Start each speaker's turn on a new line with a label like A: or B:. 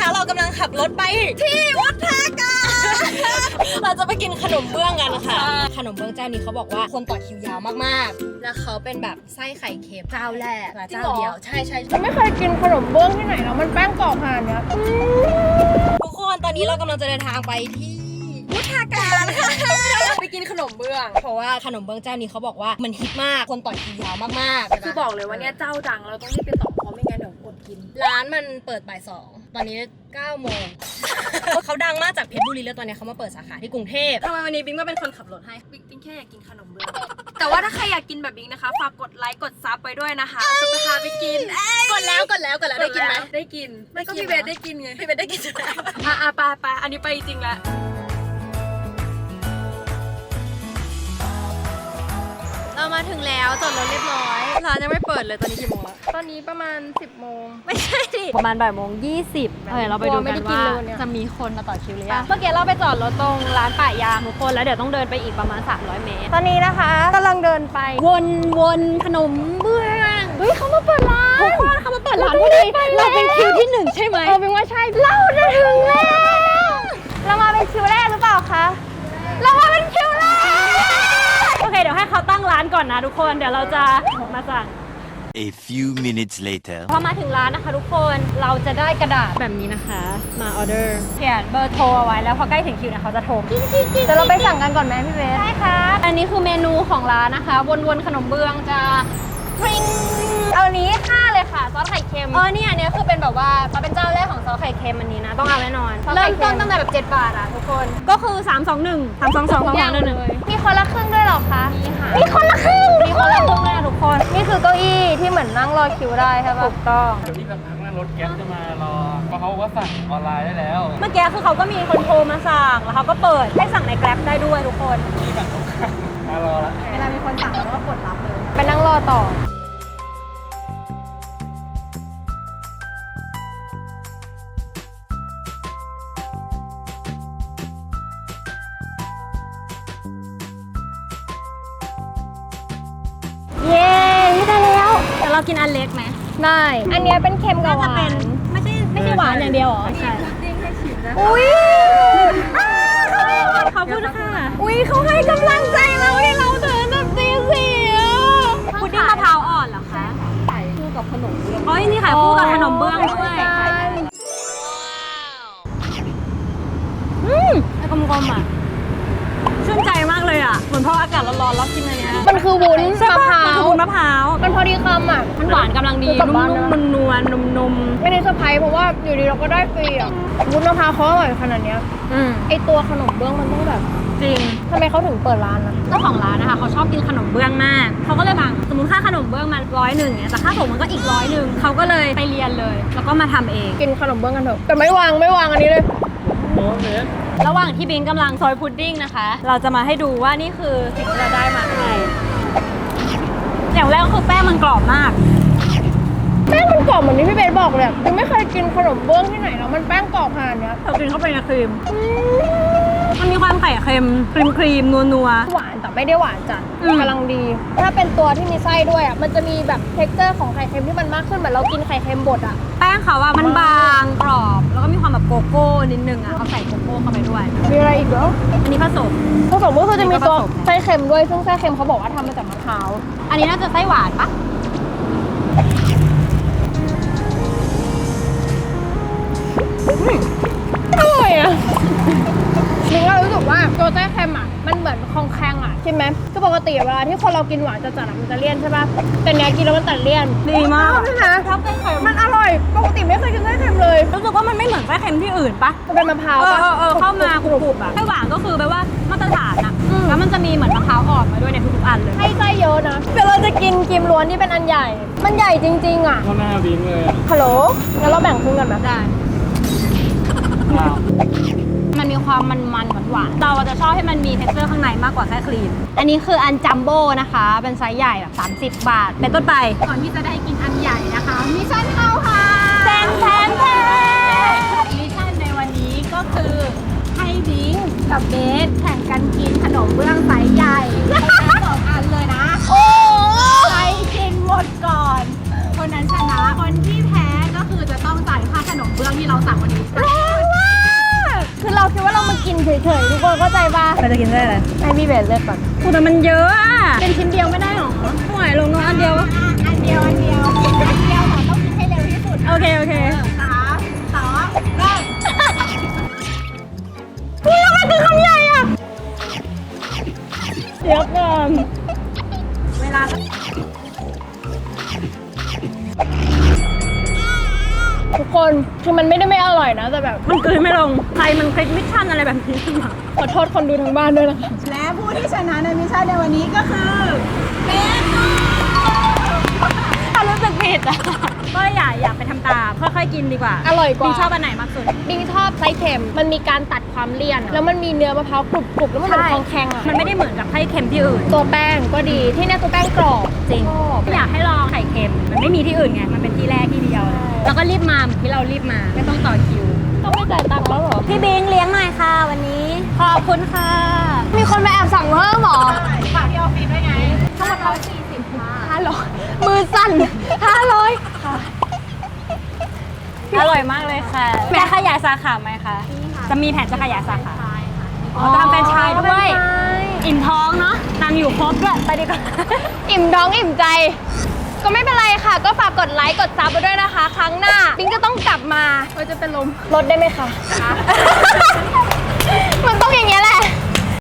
A: แล้วเรากำลังขับรถไปที่วัดท่าการเราจะไปกินขนมเบื้องกันค่ะขนมเบื้องเจ้านี้เขาบอกว่าคนต่อคิวยาวมากๆแล้วเขาเป็นแบบไส้ไข่เค็มเจ้าแรกเจ้าเดียวใช่
B: ไม่เคยกินขนมเบื้องที่ไหนแล้วมันแป้งกรอบขนาดเนี้ย
A: ทุกคนตอนนี้เรากำลังจะเดินทางไปที่วัดท่าการ
B: ไปกินขนมเบื้อง
A: เพราะว่าขนมเบื้องเจ้านี้เขาบอกว่ามันฮิตมากคนต่อคิวยาวมากๆ
B: คือบอกเลยว่าเนี่ยเจ้าดังเราต้องรีบไปต่อเพราะไม่งั้นเดี๋ยวอดกิน
A: ร้านมันเปิดบ่าย2ตอนนี้9 โมงเขาดังมากจากเพชรบุรีแล้วตอนนี้เขามาเปิดสาขาที่กรุงเทพทำไมวันนี้บิ๊กมาเป็นคนขับรถให้
B: บิ๊กแค่อยากกินขนมเบื้องแต่ว่าถ้าใครอยากกินแบบบิ๊กนะคะฝากกดไลค์กดซับไปด้วยนะคะจะไปพาไปกิน
A: กดแล้วได้กินไหม
B: ได้กินไม่ก็พี่เบสได้กินไง
A: พี่เบสได้กิน
B: ไปอันนี้ไปจริงแล้ว
A: เรามาถึงแล้วจอดรถเรียบร้อยร้านยังไม่เปิดเลยตอนนี้กี่โมงแล้ว
B: ตอนนี้ประมาณ10 โมง
A: ไม่ใช่ดิประมาณบ่าย 20เราไปดูกันว่าจะมีคนมาต่อคิวหรือยังเมื่อกี้เราไปจอดรถตรงร้านป่ายางทุกคนแล้วเดี๋ยวต้องเดินไปอีกประมาณ300 เมตร
B: ตอนนี้นะคะกำลังเดินไป
A: วนขนมเบื้อง
B: เฮ้ยเขามาเปิดร้าน
A: ทุกคนเขามาเปิดร้านพอดีเราเป็นคิวที่1ใช่ไหม
B: เป็นว่าใช่เราจะถึงแล้วเรามาเป็นคิวแรกหรือเปล่าคะเรามาเป็นคิวแรก
A: โอเคเดี๋ยวให้เขาตั้งร้านก่อนนะทุกคนเดี๋ยวเราจะมาสั่ง
C: A few minutes later
A: พอมาถึงร้านนะคะทุกคนเราจะได้กระดาษแบบนี้นะคะมาออเดอร์เขียนเบอร์โทรเอาไว้แล้วพอใกล้ถึงคิวเนี่ยเขาจะโทร
B: แต่เราไปสั่งกันก่อนไหมพี่เบส
A: ใช่ค่ะอันนี้คือเมนูของร้านนะคะวนขนมเบื้องจะพริ้ง
B: เอานี้5เลยค่ะซอสไข่เค็ม
A: เนี่ยอันนี้คือเป็นแบบว่าเป็นเจ้าแรกของซอสไข่เค็มอันนี้นะต้องเอาแน่นอน
B: เริ่มต้นตั้งแต่แบบ7 บาทอ่ะทุกคน
A: ก็คือ321
B: มีคนละครึ่งด้วยหรอคะ
A: มีคนละครึ่งเลยนะทุกคน
B: นี่คือเก้าอี้ที่เหมือนนั่งรอคิวได้ใช่ปะ
A: ถูกต้อง
D: เดี๋ยวที่สักพักนั้นรถแก๊ปจะมารอเพราะเขาว่าสั่งออนไลน์ได้แล้ว
A: เมื่อกี้คือเขาก็มีคนโทรมาสั่งแล้วเขาก็เปิดให้สั่งในแกร็บได้ด้วยทุกคน
D: ที่ฝั่งตรงข้ามมารอแล้ว
B: เวลามีคนสั่งเราก็กดรับเลยไปนั่งรอต่อ
A: เย้ได้แล้วแต่เรากินอันเล็กไหม
B: ได้อันนี้เป็นเค็มกับหวาน
A: ไม่ใช่หวานอย่างเดียวหรอใช่
B: อุ้ย
A: ขอบคุณค่ะ
B: อุ้ยเขาให้กำลังใจเราให้เราเดินแบบตีสี่
A: พุดดิ้งมะพร้าวอ่อนเหรอคะ
B: ขายคู่กับขนมเบื้อง
A: นี่ขายคู่กับขนมเบื้องด้วยกลมๆอ่ะชื่นใจมากเลยอ่ะเหมือนพออากาศร้อนๆแล้วกินอะไรเนี้ย
B: มันคือวุ้นมะพร้าวมันพอดีคำอ่ะ
A: มันหวานกำลังดีนุ่มๆนวลๆนุ่ม
B: ๆไม่ได้เซอร์ไพรส์เพราะว่าอยู่ดีเราก็ได้ฟรีอ่ะวุ้นมะพร้าวเขาอร่อยขนาดเนี้ยไอตัวขนมเบื้องมันต้องแบบ
A: จริง
B: ทำไมเขาถึงเปิดร้านนะ
A: เจ้าของร้านนะคะเขาชอบกินขนมเบื้องมากเขาก็เลยบางสมมติค่าขนมเบื้องมัน100เนี่ยแต่ค่าส่งมันก็อีก100เขาก็เลยไปเรียนเลยแล้วก็มาทำเอง
B: กินขนมเบื้องกันเถอะแต่ไม่วางอันนี้เลย
A: ระหว่างที่บิงกำลังซอยพุดดิ้งนะคะเราจะมาให้ดูว่านี่คือสิ่งที่เราได้มาให้อย่างแรกก็คือแป้งมันกรอบมาก
B: แป้งมันกรอบเหมือนที่พี่เบสบอกเลยยังไม่เคยกินขนมเบื้องที่ไหนแล้วมันแป้งกรอบขนาดเนี้ย
A: เรากินเข้าไปในครีมมันมีความไข่เค็มครีมนัว
B: หวานแต่ไม่ได้หวานจัดกำลังดีถ้าเป็นตัวที่มีไส้ด้วยอ่ะมันจะมีแบบเท็กเจอร์ของไข่เค็มที่มันมากขึ้นเหมือนเรากินไข่เค็มบดอ่ะ
A: แป้งเขาอะมันบางกรอบแล้วก็มีความแบบโกโก้นิดนึงอะเขาใส่โกโก้เข้าไปด้วย
B: มีอะไรอีกเหรอ
A: อันนี้ผสม
B: ก็คือจะมีตัวไส้เค็มด้วยซึ่งไส้เค็มเขาบอกว่าทำมาจากมะพร้าว
A: อันนี้น่าจะไส้หวานปะ
B: อร่อยอะนี่ก็รู้สึกว่าตัวไส้เค็มอ่ะมันเหมือนคองแคงอ่ะใช่ไหมก็ปกติเวลาที่คนเรากินหวานจัดๆมันจะเลี่ยนใช่ป่ะแต่เนี้ยกินแล้วมันตัดเลี่ยน
A: ดีมาก
B: ใช่ไหมชอบไส้เค็มมันอร่อยปกติไม่เคยกินไส้เค็มเลย
A: รู้สึกว่ามันไม่เหมือนไส้เค็มที่อื่นปะ
B: มันเป็นมะพร้าวปะ
A: เข้ามากรุบๆอะไส้หวานก็คือแปลว่ามาตรฐานอะแล้วมันจะมีเหมือนมะพร้าวอ่อนมาด้วยในทุกๆอันเลย
B: ให้ไส้เยอะนะเดี๋ยวเราจะกินครีมล้วนที่เป็นอันใหญ่มันใหญ่จริงๆอ่ะ
D: เข้าหน้าบิงเลย
B: ฮัลโหลงั้นเราแบ่งครึ่งกันไหม
A: ได้มันมีความมันหวานเราจะชอบให้มันมีเท็กเจอร์ข้างในมากกว่าไส้ครีมอันนี้คืออันจัมโบ้นะคะเป็นไซส์ใหญ่แบบ30 บาทเป็นต้นไป
B: ก่อนที่จะได้กินอันใหญ่นะคะมิชชั่นเข้าค่ะ
A: แทน
B: มิชชั่นในวันนี้ก็คือให้บิงกับเบสแข่งกันกินขนมเบื้องไซส์ใหญ่2 อันเลยนะ
A: โอ้
B: ใครกินหมดก่อนคนนั้นชนะคนที่แพ้ก็คือจะต้องจ่ายค่าขนมเบื้องที่เรา 3วันนี้ร้อนมากคือเราคิดว่าเรามากินเฉยๆทุกคนเข้าใจปะ
A: เราจะกินได้อะไร
B: ให้พี่เบสเลือกก่อน
A: กูแต่มันเยอะอ่ะ
B: เป็นชิ้นเดียวไม่ได้หรอ
A: ห่วยลงน้องอันเดียว
B: อันเดียวค่ะต้องกินให้เร็วที่สุด
A: โอเคโอเค
B: อุ้ยแล้วมันคือคำใหญ่อะเดี๋ยวก่อน
A: เวลา
B: ทุกคนคือมันไม่ได้ไม่อร่อยนะแต่แบบ
A: มันกลืนไม่ลงใครมันคลิกมิชชั่นอะไรแบบนี้ขึ้นมา
B: ขอโทษคนดูทางบ้านด้วยนะคะ
E: และผู้ที่ชนะในมิชชั่นในวันนี้ก็คือเบสค่ะ
A: รู้สึกผิดอ่ะก็อยากไปทำตามค่อยๆกินดีกว่า
B: อร่อยกว่า
A: บิงชอบอันไหนมากสุด
B: บิงชอบไส้เค็มมันมีการตัดความเลี่ยน แล้วมันมีเนื้อมะพร้าวกรุบๆแล้วมันเป็นทองแข็งอะ
A: มันไม่ได้เหมือนกับไข่เค็มที่อื่น
B: ตัวแป้งก็ดีที่เนี่ยตัวแป้งกรอบ
A: จริง
B: ชอบ
A: อยากให้ลองไข่เค็มมันไม่มีที่อื่นไงมันเป็นที่แรกที่เดียว แล้วก็รีบมาเหมือนที่เรารีบมาไม่ต้องต่อคิว
B: ต้องไม่จ่ายตังค์แล้วเหรอ
A: พี่บิงเลี้ยงหน่อยค่ะวันนี้ขอบคุณค่ะ
B: มีคนมาแอบสั่งเพิ่มเหรอ
E: ฝากที่ออฟฟิศด้วยไง
B: ทั้งหมด140ค่ะ500มือสั่น500ค่ะ
A: อร่อยมากเลยค่ะจะขยายสาขาไหมคะจะมีแผนจะขยายสาขาอ๋อจะทำแฟรนไชส์ด้วยอิ่มท้องเนาะนางอยู่ครบด้วยไปดีกว่า
B: อิ่มท้องอิ่มใจ ก็ไม่เป็นไรค่ะ ก็ฝากกดไลค์กดซับไปด้วยนะคะ ครั้งหน้าบิงจะต้องกลับมาเราจะเป็นลมลดได้ไหมคะ มันต้องอย่างเงี้ยแหละ